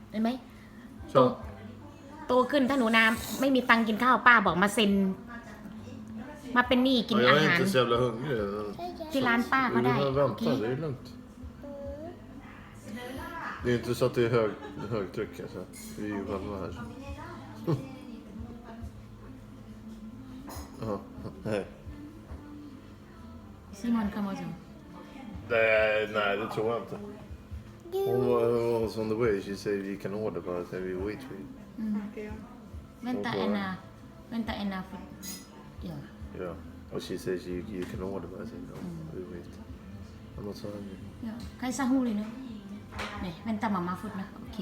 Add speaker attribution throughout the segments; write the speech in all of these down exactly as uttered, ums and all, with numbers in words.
Speaker 1: เห็นไหมโตโตขึ้นถ้าหนูนาไม่มีตังค์กินข้าวป้าบอกมาเซ็นมาเป็นหนี้กิน
Speaker 2: Ja,
Speaker 1: อา
Speaker 2: jag är
Speaker 1: หาร
Speaker 2: inte så jävla hungrig.
Speaker 1: ที่ร้านป้าก็
Speaker 2: Du
Speaker 1: ได้
Speaker 2: behöver
Speaker 1: โอเค
Speaker 2: vänta, det är lugnt. Det är inte så att det är hög, högtryck alltså. Vi är ju själva här. Ja, nej.
Speaker 1: ซิมอนคาโมโซ
Speaker 2: Nej, nej, det tror jag inte. Hon var, hon was on the way. She said you can order but I said we wait for you.
Speaker 1: Vänta en vänta en ja
Speaker 2: Yeah. Och she said you, you can order but I said no, we wait. I'm not so hungry.
Speaker 1: ใครซาฮูเลยเนาะเนี่ยเป็นตามาม่าฟุตนะโอเค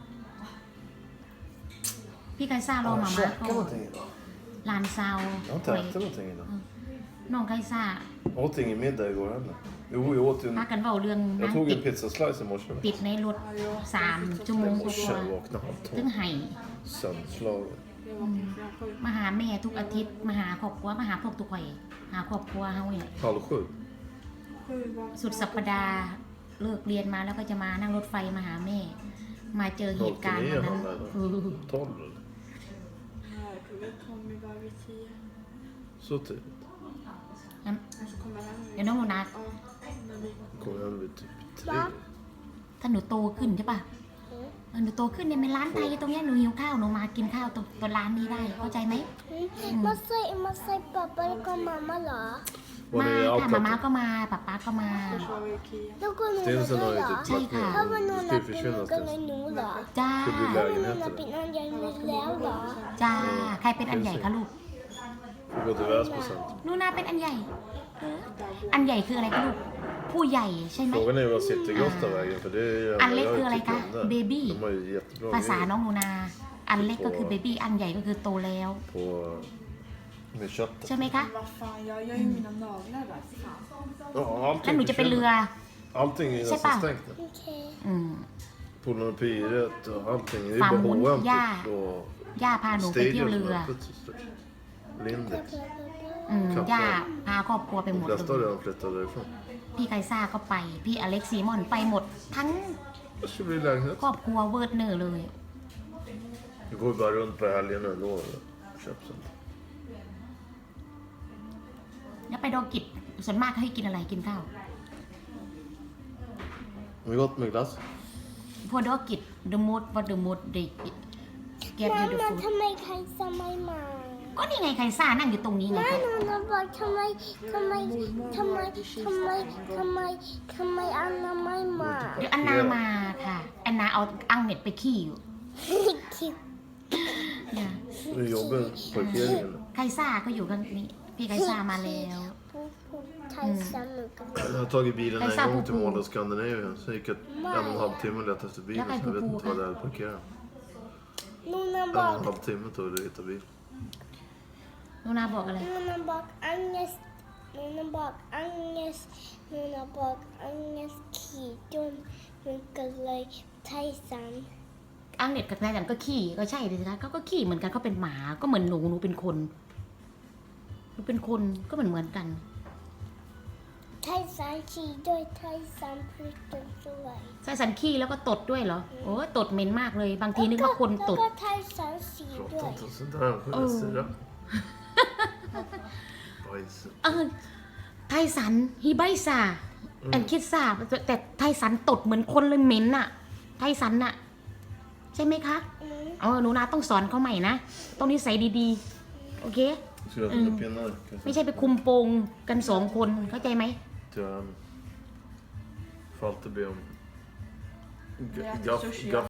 Speaker 1: พี่ไกซ่ารอมาม่าก็ลานซาว
Speaker 2: Jag har inte ätit någonting idag.
Speaker 1: น้องไกซ่า
Speaker 2: Jag åt ingen middag igår heller. Jo, jag åt ju
Speaker 1: พา
Speaker 2: en...
Speaker 1: กันเว้าเรื่อง
Speaker 2: Jag
Speaker 1: นั้น
Speaker 2: tog
Speaker 1: ติด
Speaker 2: en pizzaslice i morse.
Speaker 1: ติดในรถสามชั่วโมง
Speaker 2: I
Speaker 1: กว่า
Speaker 2: morse jag vaknade halv
Speaker 1: ถึง
Speaker 2: tolv.
Speaker 1: ไห้
Speaker 2: Sönderslagen.
Speaker 1: มาหาแม่ทุกอาทิตย์มาหาครอบครัวมาหาพวกทุกข่อยหาครอบครัวเฮาเนี่ย
Speaker 2: Halv sju.
Speaker 1: สุดสัปดาห์เลิกเรียนมาแล้วก็จะมานั่งรถไฟมาหาแม่ มาเจอเหตุการณ์วันนั้นเออ
Speaker 2: tolv eller?
Speaker 3: Nej, klockan kom vi bara vid tio.
Speaker 2: Så tidigt.
Speaker 3: Och så kommer han
Speaker 1: เดี๋ยวน้องโมนา
Speaker 3: Ja, när vi...
Speaker 2: Kom hem vid typ tre.
Speaker 1: ถ้าหนูโตขึ้นใช่ป่ะหนูโตขึ้นเนี่ยเป็นร้านไทยตรงเนี้ยหนูหิวข้าวหนูมากินข้าวตรงตรงร้านนี้ได้เข้าใจไหม
Speaker 4: มาใส่มาใส่ป๊าป๊าแล้วก็มาม่าเหรอ
Speaker 2: Var
Speaker 1: มา
Speaker 2: ni
Speaker 1: ค่ะมาม่า
Speaker 2: outlet?
Speaker 1: ก็มาป๊าป๊าก็มา
Speaker 3: Först var vi i Ikea.
Speaker 4: แล้วก็หนูมา
Speaker 2: Stinsen
Speaker 4: ด้ว
Speaker 2: har
Speaker 4: ยเหร
Speaker 2: ju
Speaker 4: อ
Speaker 2: typ
Speaker 1: ใช่
Speaker 2: lagt
Speaker 1: ค่ะ
Speaker 4: ถ้า
Speaker 2: ner.
Speaker 4: วันหนู
Speaker 2: Det
Speaker 4: นั
Speaker 2: ska
Speaker 4: บ
Speaker 2: ju
Speaker 4: เป็นหนู
Speaker 2: försvinna
Speaker 4: ก็
Speaker 2: Stinsen.
Speaker 4: เลยหนูเหรอ
Speaker 1: จ้า
Speaker 2: Ska bli
Speaker 4: ถ้าวันหนู
Speaker 2: lägenhet
Speaker 4: นับ
Speaker 2: eller?
Speaker 4: เป็นอันใหญ่แล้วเหรอ
Speaker 1: จ้าใครเป็นอันใหญ่คะลูก
Speaker 2: Får gå till Väsby.
Speaker 1: หนูนาเป็นอันใหญ่เอออันใหญ่คืออะไรคะลูกผู้ใหญ่ใช่ไหม
Speaker 2: Frågan är vad Citygrottavägen för det är
Speaker 1: Ăn lết
Speaker 2: jag
Speaker 1: คืออะไร
Speaker 2: tycker
Speaker 1: คะ
Speaker 2: om det.
Speaker 1: baby
Speaker 2: De har ju jättebra
Speaker 1: ภาษา
Speaker 2: grejer
Speaker 1: น้องหนูนา อันเล็กก็คือเบบี้อันใหญ่ก็คือโตแล้ว
Speaker 2: på med köttet.
Speaker 1: ใช่ไหมคะ
Speaker 3: Men vad fan, jag gör ju mina naglar där.
Speaker 2: Ja,
Speaker 1: แล้วหนู
Speaker 2: allting
Speaker 1: จะเป็นเรือ
Speaker 2: försvinner. Allting är
Speaker 1: Säg bara.
Speaker 2: nästan stängt nu.
Speaker 4: โอเค
Speaker 1: อืม
Speaker 2: Pornopiret och allting. Det är
Speaker 1: Fan,
Speaker 2: bara
Speaker 1: hon-
Speaker 2: H och M
Speaker 1: ja.
Speaker 2: typ och
Speaker 1: ย่าพาหนูไปเที่ยว
Speaker 2: Stadium
Speaker 1: เรื
Speaker 2: som
Speaker 1: อ
Speaker 2: är öppet så stort. Lindex.
Speaker 1: อืมย่าพาครอบครัวไปหม
Speaker 2: De
Speaker 1: ดเล
Speaker 2: flesta har
Speaker 1: ย
Speaker 2: redan flyttat därifrån.
Speaker 1: พี่ไกซ่าก็ไป พี่อเล็กซีมอนไปหมด ทั้ง
Speaker 2: Det ska bli lägenhet.
Speaker 1: ครอบครัวเวิร์ดเนอร์เลย
Speaker 2: Vi går bara runt på helgen och lovar. Köp sånt.
Speaker 1: แล้วไปดอกิจส่วนมากเขาให้กินอะไรกินข้าว
Speaker 2: Har vi gått med glass?
Speaker 1: พวกดอกิจ the most what the most they get
Speaker 4: มา
Speaker 1: you the
Speaker 4: มา
Speaker 1: food
Speaker 4: ทำไมใครจะไม่มา
Speaker 1: ก็นี่ไงไกซ่านั่งอยู่ตรงนี้ไง
Speaker 4: มา
Speaker 1: คะ
Speaker 4: หนูนะบอกทำไมทำไมทำไมทำไมทำไมทำไมอันนั้นไม่มา
Speaker 1: เดี๋ยวอันนามาค่ะอันนาเอาอังเน็ตไปขี้อยู่
Speaker 4: คิด
Speaker 1: เนี่ย
Speaker 2: Nu jobbar parkeringen.
Speaker 1: ไกซ่าก็อยู่กันนี้พี่ไกซ่ามาแล้ว
Speaker 4: พูดพูดไทยซ้ำเหมือนกัน
Speaker 2: Jag har tagit bilen
Speaker 1: Jag
Speaker 2: en
Speaker 1: sa
Speaker 2: gång
Speaker 1: på
Speaker 2: till
Speaker 1: på.
Speaker 2: Mall of Scandinavien. Sen gick jag en och en halv timme och letade efter bilen.
Speaker 1: Jag kan
Speaker 2: Så jag vet
Speaker 1: på
Speaker 2: inte
Speaker 1: på.
Speaker 2: vad det är att parkera.
Speaker 4: หนูนะ
Speaker 2: En
Speaker 4: บ
Speaker 2: och
Speaker 4: อก
Speaker 2: en halv timme tog det att hitta bilen.
Speaker 1: หนูนาบอกอะไร
Speaker 4: หนูนะบอกอังเนสหนูนะบอกอังเนสหนูนะบอกอังเนสขี่จนมันก็เลยไทยซ้ำ
Speaker 1: อังเน็ตกับนายจันก็ขี้ก็ใช่เลยนะเขาก็ขี้เหมือนกันเขาเป็นหมาก็เหมือนหนูหนูเป็นคนหนูเป็นคนก็เหมือนเหมือนกัน
Speaker 4: ไทยสามชีด้วยไทยสามพริกจนสวย
Speaker 1: ใส่สันขี้แล้วก็ตดด้วยเหรอโอ้ยตดเหม็นมากเลย บางทีนึกว่าคนต
Speaker 4: แล้ว
Speaker 1: ด
Speaker 4: ก็ไทยสามสีด้ว
Speaker 2: Prata
Speaker 4: ย
Speaker 2: inte sådär. Han får
Speaker 1: Oh.
Speaker 2: styra. Bajs.
Speaker 1: เออไทสันฮิไบซาแอนคิดซาแต่ไทสันตดเหมือนคนเลยเหม็นอะไทสันอะใช่ไหมคะ
Speaker 4: อืม
Speaker 1: เออหนูนาต้องสอนเขาใหม่นะต้องนิสัยดีๆ โอเค
Speaker 2: Ska jag fylla pinnar?
Speaker 1: ไม่
Speaker 2: Kanske.
Speaker 1: ใช่ไปคุมโปงกันสองคนเข้าใจไหม
Speaker 2: Till han. Får alltid be om
Speaker 3: Jag äter
Speaker 2: gaff,
Speaker 3: sushi.
Speaker 2: gaff